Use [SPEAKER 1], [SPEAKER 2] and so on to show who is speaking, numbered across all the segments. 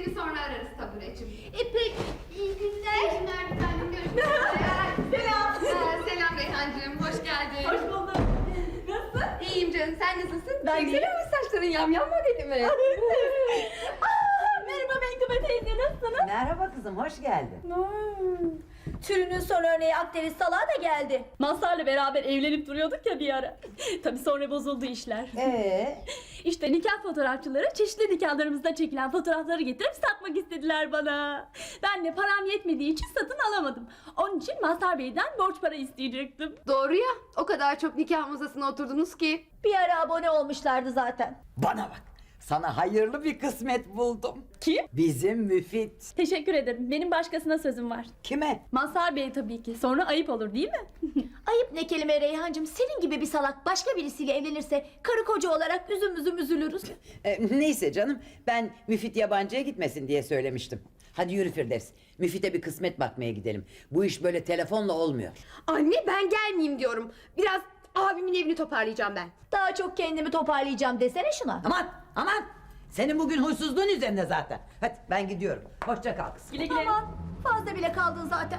[SPEAKER 1] Seni sonra ararız tabureciğim.
[SPEAKER 2] Peki, iyi günler.
[SPEAKER 1] İyi günler bir tanem, görüşmek üzere.
[SPEAKER 2] Selam.
[SPEAKER 1] Selam Reyhancığım, hoş geldin.
[SPEAKER 2] Hoş bulduk. Nasılsın?
[SPEAKER 1] İyiyim canım, sen nasılsın?
[SPEAKER 2] Ben
[SPEAKER 1] Güzel olmuş saçların, yamyam modeli mi?
[SPEAKER 2] Merhaba Menkıbe teyze, nasılsınız?
[SPEAKER 3] Merhaba kızım, hoş geldin.
[SPEAKER 2] Türünün son örneği Akdeniz Salağı da geldi.
[SPEAKER 4] Mazhar'la beraber evlenip duruyorduk ya bir ara. Tabii sonra bozuldu işler. İşte nikah fotoğrafçıları çeşitli nikahlarımızda çekilen fotoğrafları getirip satmak istediler bana. Ben de param yetmediği için satın alamadım. Onun için Mazhar Bey'den borç para isteyecektim.
[SPEAKER 1] Doğru ya, o kadar çok nikah masasına oturdunuz ki.
[SPEAKER 2] Bir ara abone olmuşlardı zaten.
[SPEAKER 3] Bana bak, sana hayırlı bir kısmet buldum.
[SPEAKER 4] Kim?
[SPEAKER 3] Bizim Müfit.
[SPEAKER 4] Teşekkür ederim. Benim başkasına sözüm var.
[SPEAKER 3] Kime?
[SPEAKER 4] Mazhar Bey tabii ki. Sonra ayıp olur değil mi?
[SPEAKER 2] Ayıp ne kelime Reyhancığım, senin gibi bir salak başka birisiyle evlenirse karı koca olarak üzüm üzülürüz.
[SPEAKER 3] Neyse canım, ben Müfit yabancıya gitmesin diye söylemiştim. Hadi yürü Firdevs, Müfit'e bir kısmet bakmaya gidelim. Bu iş böyle telefonla olmuyor.
[SPEAKER 1] Anne ben gelmeyeyim diyorum. Biraz abimin evini toparlayacağım ben.
[SPEAKER 2] Daha çok kendimi toparlayacağım desene şuna.
[SPEAKER 3] Aman! Senin bugün huysuzluğun üzerinde zaten. Hadi ben gidiyorum. Hoşça kal kızım.
[SPEAKER 4] Güle güle.
[SPEAKER 2] Aman fazla bile kaldın zaten.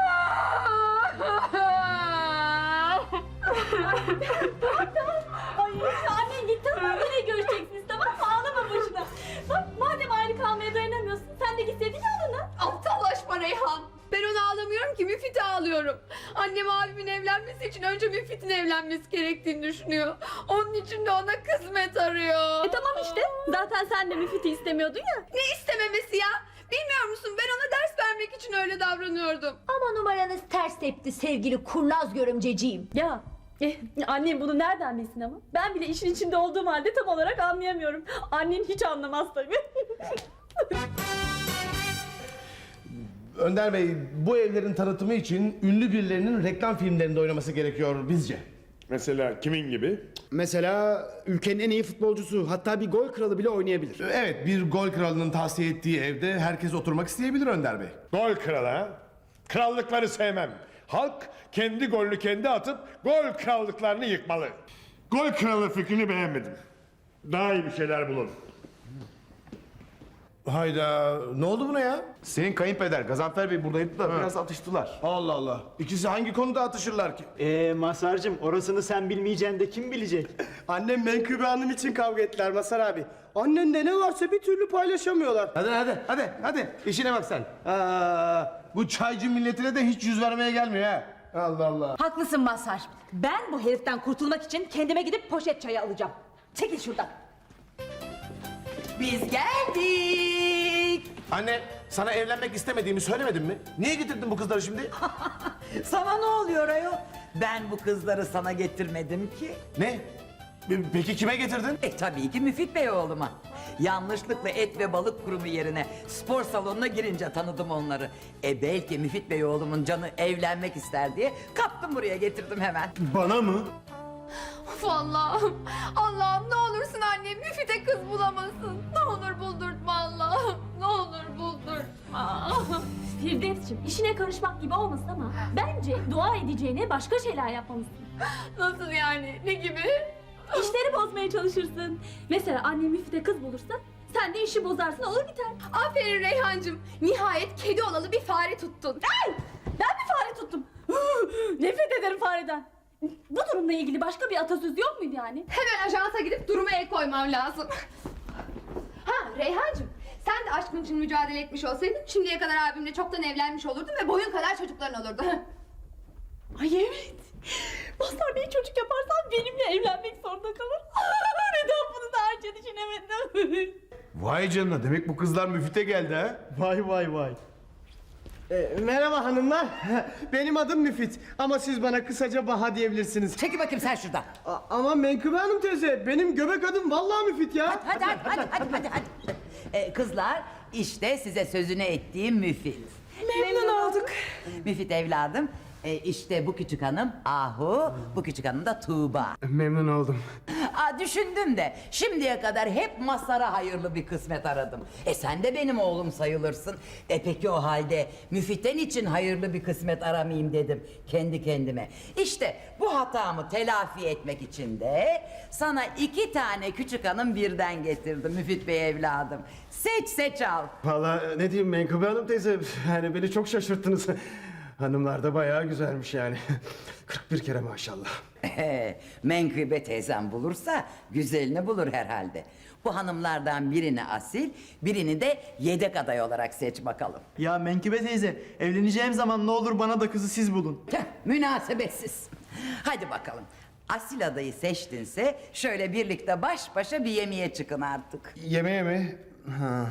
[SPEAKER 4] Ay annen gitti ama yine görüşeceksiniz, tamam mı? Ağlama boşuna. Bak madem ayrı kalmaya dayanamıyorsun, sen de gitseydin yanına.
[SPEAKER 1] Aptallaşma Reyhan. Ben onu ağlamıyorum ki, Müfit'e ağlıyorum. Annem abimin evlenmesi için önce Müfit'in evlenmesi gerektiğini düşünüyor. Onun için de ona kısmet arıyor.
[SPEAKER 4] Tamam işte. Zaten sen de Müfit'i istemiyordun ya.
[SPEAKER 1] Ne istememesi ya? Bilmiyor musun, ben ona ders vermek için öyle davranıyordum.
[SPEAKER 2] Ama numaranız ters tepti sevgili kurnaz görümceciğim.
[SPEAKER 4] Ya annem bunu nereden bilsin ama? Ben bile işin içinde olduğum halde tam olarak anlayamıyorum. Annen hiç anlamaz tabii.
[SPEAKER 5] Önder Bey, bu evlerin tanıtımı için ünlü birilerinin reklam filmlerinde oynaması gerekiyor bizce.
[SPEAKER 6] Mesela kimin gibi?
[SPEAKER 7] Mesela ülkenin en iyi futbolcusu, hatta bir gol kralı bile oynayabilir.
[SPEAKER 5] Evet, bir gol kralının tavsiye ettiği evde herkes oturmak isteyebilir Önder Bey.
[SPEAKER 6] Gol kralı ha? Krallıkları sevmem. Halk kendi golünü kendi atıp gol krallıklarını yıkmalı. Gol kralı fikrini beğenmedim. Daha iyi bir şeyler bulun.
[SPEAKER 5] Hayda, ne oldu buna ya?
[SPEAKER 8] Senin kayınpeder Gazanfer Bey buradaydı da biraz atıştılar.
[SPEAKER 5] Allah Allah, İkisi hangi konuda atışırlar ki?
[SPEAKER 7] Mazhar'cığım orasını sen bilmeyeceksin de kim bilecek? Annem Menkıbe Hanım için kavga ettiler Mazhar abi. Annende ne varsa bir türlü paylaşamıyorlar.
[SPEAKER 5] Hadi, işine bak sen. Bu çaycı milletine de hiç yüz vermeye gelmiyor ha. Allah Allah.
[SPEAKER 9] Haklısın Mazhar. Ben bu heriften kurtulmak için kendime gidip poşet çayı alacağım. Çekil şuradan.
[SPEAKER 3] Biz geldik.
[SPEAKER 5] Anne, sana evlenmek istemediğimi söylemedim mi? Niye getirdin bu kızları şimdi?
[SPEAKER 3] Sana ne oluyor ayol? Ben bu kızları sana getirmedim ki.
[SPEAKER 5] Ne? Peki kime getirdin?
[SPEAKER 3] Tabii ki Müfit Bey oğluma. Yanlışlıkla et ve balık kurumu yerine spor salonuna girince tanıdım onları. Belki Müfit Bey oğlumun canı evlenmek ister diye kaptım buraya getirdim hemen.
[SPEAKER 5] Bana mı?
[SPEAKER 1] Of Allah'ım. Allah'ım ne olursun annem Müfit'e kız bulamasın. Ne olur buldurtma Allah'ım. Ne olur buldurtma.
[SPEAKER 4] Firdevs'cim işine karışmak gibi olmasın ama bence dua edeceğine başka şeyler yapmalısın.
[SPEAKER 1] Nasıl yani? Ne gibi?
[SPEAKER 4] İşleri bozmaya çalışırsın. Mesela annem Müfit'e kız bulursa sen de işi bozarsın, olur biter.
[SPEAKER 1] Aferin Reyhancığım. Nihayet kedi olalı bir fare tuttun.
[SPEAKER 4] Ben bir fare tuttum. Nefret ederim fareden. Bu durumla ilgili başka bir atasöz yok muydu yani?
[SPEAKER 1] Hemen ajansa gidip duruma el koymam lazım. Ha Reyhancığım, sen de aşkın için mücadele etmiş olsaydın şimdiye kadar abimle çoktan evlenmiş olurdun ve boyun kadar çocukların olurdu.
[SPEAKER 4] Ay evet. Mazhar Bey çocuk yaparsan benimle evlenmek zorunda kalır. Neden bunu daha önce düşünemedim?
[SPEAKER 5] Vay canına, demek bu kızlar Müfit'e geldi ha?
[SPEAKER 7] Vay. Merhaba hanımlar. Benim adım Müfit ama siz bana kısaca Baha diyebilirsiniz.
[SPEAKER 3] Çekil bakayım sen şuradan.
[SPEAKER 7] Ama Menkıbe Hanım teyze, benim göbek adım vallahi Müfit ya.
[SPEAKER 3] Hadi. Kızlar, işte size sözünü ettiğim Müfit.
[SPEAKER 9] Memnun olduk.
[SPEAKER 3] Müfit evladım. İşte bu küçük hanım Ahu, bu küçük hanım da Tuğba.
[SPEAKER 7] Memnun oldum.
[SPEAKER 3] Düşündüm de şimdiye kadar hep Mazhar'a hayırlı bir kısmet aradım. Sen de benim oğlum sayılırsın. Peki o halde Müfit'ten için hayırlı bir kısmet aramayayım dedim kendi kendime. İşte bu hatamı telafi etmek için de sana 2 tane küçük hanım birden getirdim Müfit Bey evladım. Seç al.
[SPEAKER 7] Vallahi ne diyeyim Menkıbe Hanım teyze, yani beni çok şaşırttınız. Hanımlar da bayağı güzelmiş yani. 41 kere maşallah.
[SPEAKER 3] Menkıbe teyzem bulursa güzelini bulur herhalde. Bu hanımlardan birini asil, birini de yedek aday olarak seç bakalım.
[SPEAKER 7] Ya Menkıbe teyze, evleneceğim zaman ne olur bana da kızı siz bulun.
[SPEAKER 3] Münasebetsiz. Hadi bakalım. Asil adayı seçtinse şöyle birlikte baş başa bir yemeğe çıkın artık.
[SPEAKER 8] Yemeğe mi? Ha.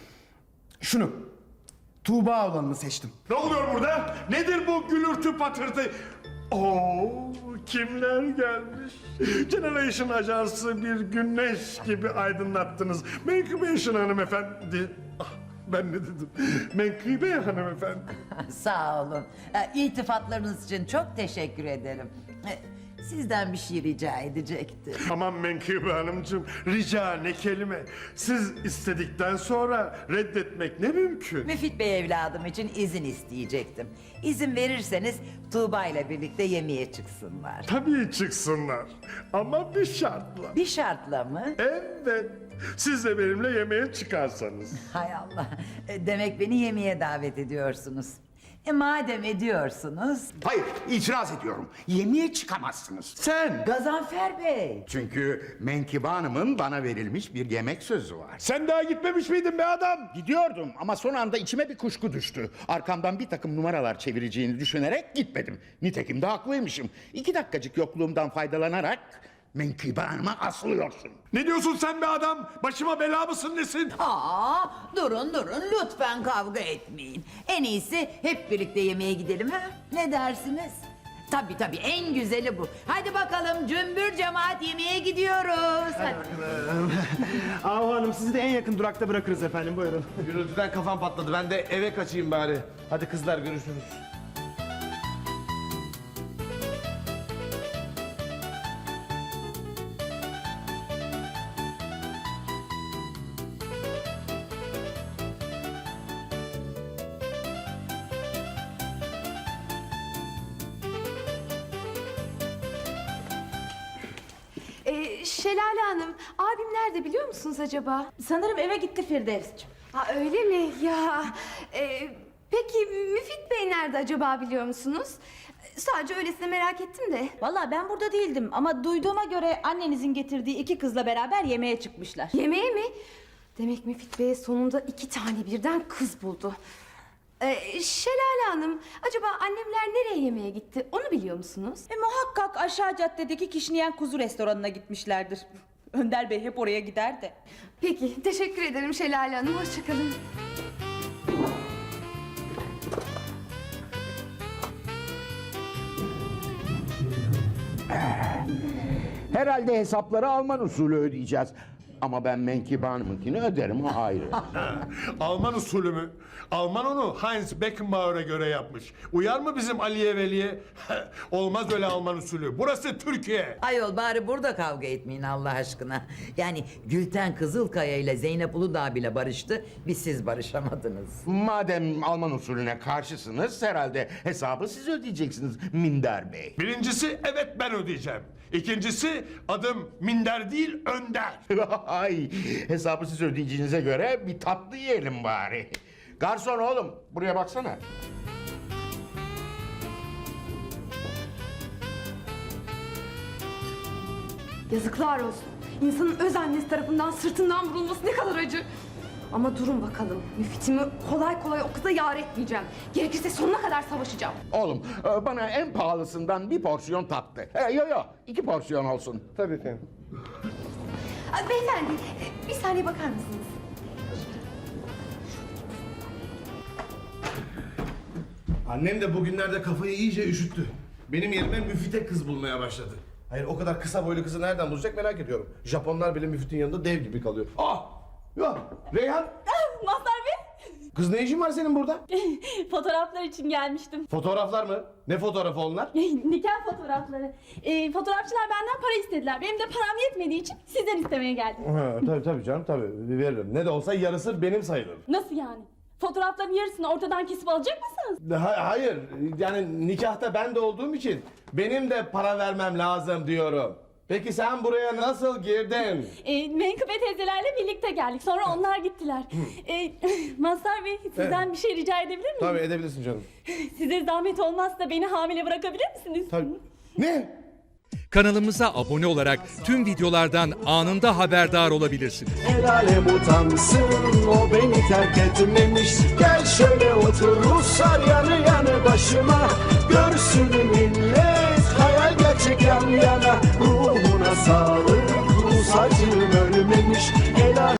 [SPEAKER 8] Şunu. Tuğba olanını seçtim.
[SPEAKER 6] Ne oluyor burada? Nedir bu gülürtü patırtı? Oo, kimler gelmiş? Generation Ajansı bir güneş gibi aydınlattınız. Menkıbe hanımefendi. Ah, ben ne dedim? Menkıbe hanımefendi.
[SPEAKER 3] Sağ olun. İltifatlarınız için çok teşekkür ederim. Sizden bir şey rica edecektim.
[SPEAKER 6] Aman Menkıbe Hanımcığım, rica ne kelime. Siz istedikten sonra reddetmek ne mümkün?
[SPEAKER 3] Müfit Bey evladım için izin isteyecektim. İzin verirseniz Tuğba ile birlikte yemeğe çıksınlar.
[SPEAKER 6] Tabii çıksınlar ama bir şartla.
[SPEAKER 3] Bir şartla mı?
[SPEAKER 6] Evet, siz de benimle yemeğe çıkarsanız.
[SPEAKER 3] Hay Allah. Demek beni yemeğe davet ediyorsunuz. Madem ediyorsunuz...
[SPEAKER 10] Hayır, itiraz ediyorum. Yemeğe çıkamazsınız.
[SPEAKER 8] Sen!
[SPEAKER 3] Gazanfer Bey.
[SPEAKER 10] Çünkü Menkıbe Hanım'ın bana verilmiş bir yemek sözü var.
[SPEAKER 6] Sen daha gitmemiş miydin be adam?
[SPEAKER 10] Gidiyordum ama son anda içime bir kuşku düştü. Arkamdan bir takım numaralar çevireceğini düşünerek gitmedim. Nitekim de haklıymışım. 2 dakikacık yokluğumdan faydalanarak Menkıbe Hanım'a asılıyorsun.
[SPEAKER 6] Ne diyorsun sen be adam? Başıma bela mısın nesin?
[SPEAKER 3] Durun lütfen kavga etmeyin. En iyisi hep birlikte yemeğe gidelim ha? Ne dersiniz? Tabii en güzeli bu. Hadi bakalım cümbür cemaat yemeğe gidiyoruz. Hadi.
[SPEAKER 7] Ahu Hanım, sizi de en yakın durakta bırakırız efendim, buyurun.
[SPEAKER 5] Gürültüden kafam patladı. Ben de eve kaçayım bari. Hadi kızlar, görüşürüz.
[SPEAKER 1] Şelale Hanım, abim nerede biliyor musunuz acaba?
[SPEAKER 9] Sanırım eve gitti Firdevs'ciğim.
[SPEAKER 1] Ha öyle mi? Ya peki Müfit Bey nerede acaba biliyor musunuz? Sadece öylesine merak ettim de.
[SPEAKER 9] Vallahi ben burada değildim ama duyduğuma göre annenizin getirdiği 2 kızla beraber yemeğe çıkmışlar.
[SPEAKER 1] Yemeğe mi? Demek Müfit Bey sonunda 2 tane birden kız buldu. Şelale Hanım, acaba annemler nereye yemeğe gitti? Onu biliyor musunuz?
[SPEAKER 9] Muhakkak aşağı caddedeki kişniyen kuzu restoranına gitmişlerdir. Önder Bey hep oraya gider de.
[SPEAKER 1] Peki, teşekkür ederim Şelale Hanım. Hoşçakalın.
[SPEAKER 10] Herhalde hesapları Alman usulü ödeyeceğiz. Ama ben Menkıbe Hanım'ınkini öderim, o ayrı.
[SPEAKER 6] Alman usulü mü? Alman onu Heinz Beckenbauer'a göre yapmış. Uyar mı bizim Aliye Veli'ye? Olmaz öyle Alman usulü. Burası Türkiye.
[SPEAKER 3] Ayol bari burada kavga etmeyin Allah aşkına. Yani Gülten Kızılkaya ile Zeynep Uludağ bile barıştı. Biz siz barışamadınız.
[SPEAKER 10] Madem Alman usulüne karşısınız, herhalde hesabı siz ödeyeceksiniz Minder Bey.
[SPEAKER 6] Birincisi evet ben ödeyeceğim. İkincisi adım Minder değil Önder.
[SPEAKER 10] Ay, hesabı siz ödeyeceğinize göre bir tatlı yiyelim bari. Garson oğlum, buraya baksana.
[SPEAKER 1] Yazıklar olsun. İnsanın öz annesi tarafından sırtından vurulması ne kadar acı. Ama durun bakalım. Müfitimi kolay kolay o kıza yar etmeyeceğim. Gerekirse sonuna kadar savaşacağım.
[SPEAKER 10] Oğlum, bana en pahalısından bir porsiyon tatlı. Yo, 2 porsiyon olsun.
[SPEAKER 5] Tabii efendim.
[SPEAKER 1] Beyefendi, bir saniye bakar mısınız?
[SPEAKER 5] Annem de bugünlerde kafayı iyice üşüttü. Benim yerime Müfit'e kız bulmaya başladı. Hayır, o kadar kısa boylu kızı nereden bulacak merak ediyorum. Japonlar bile Müfit'in yanında dev gibi kalıyor. Ah! Ya Reyhan!
[SPEAKER 4] Mazhar Bey.
[SPEAKER 5] Kız ne işin var senin burada?
[SPEAKER 4] Fotoğraflar için gelmiştim.
[SPEAKER 5] Fotoğraflar mı? Ne fotoğrafı onlar?
[SPEAKER 4] Nikah fotoğrafları. Fotoğrafçılar benden para istediler. Benim de param yetmediği için sizden istemeye geldim.
[SPEAKER 5] Ha, tabii canım tabii veririm. Ne de olsa yarısı benim sayılır.
[SPEAKER 4] Nasıl yani? Fotoğrafların yarısını ortadan kesip alacak mısınız?
[SPEAKER 5] Hayır yani nikahta ben de olduğum için benim de para vermem lazım diyorum. Peki sen buraya nasıl girdin?
[SPEAKER 4] Menkıbe teyzelerle birlikte geldik. Sonra onlar gittiler. Mazhar Bey sizden bir şey rica edebilir miyim?
[SPEAKER 5] Tabii edebilirsin canım.
[SPEAKER 4] Size zahmet olmazsa beni hamile bırakabilir misiniz?
[SPEAKER 5] Tabii. Ne?
[SPEAKER 11] Kanalımıza abone olarak tüm videolardan anında haberdar olabilirsiniz.
[SPEAKER 7] El alem utansın o beni terk etmemiş. Gel şöyle otur Ruslar yanı yanı başıma. Görsün millet hayal gerçek yan yana. Ruhuna sağlık Rus acım ölmemiş. El alem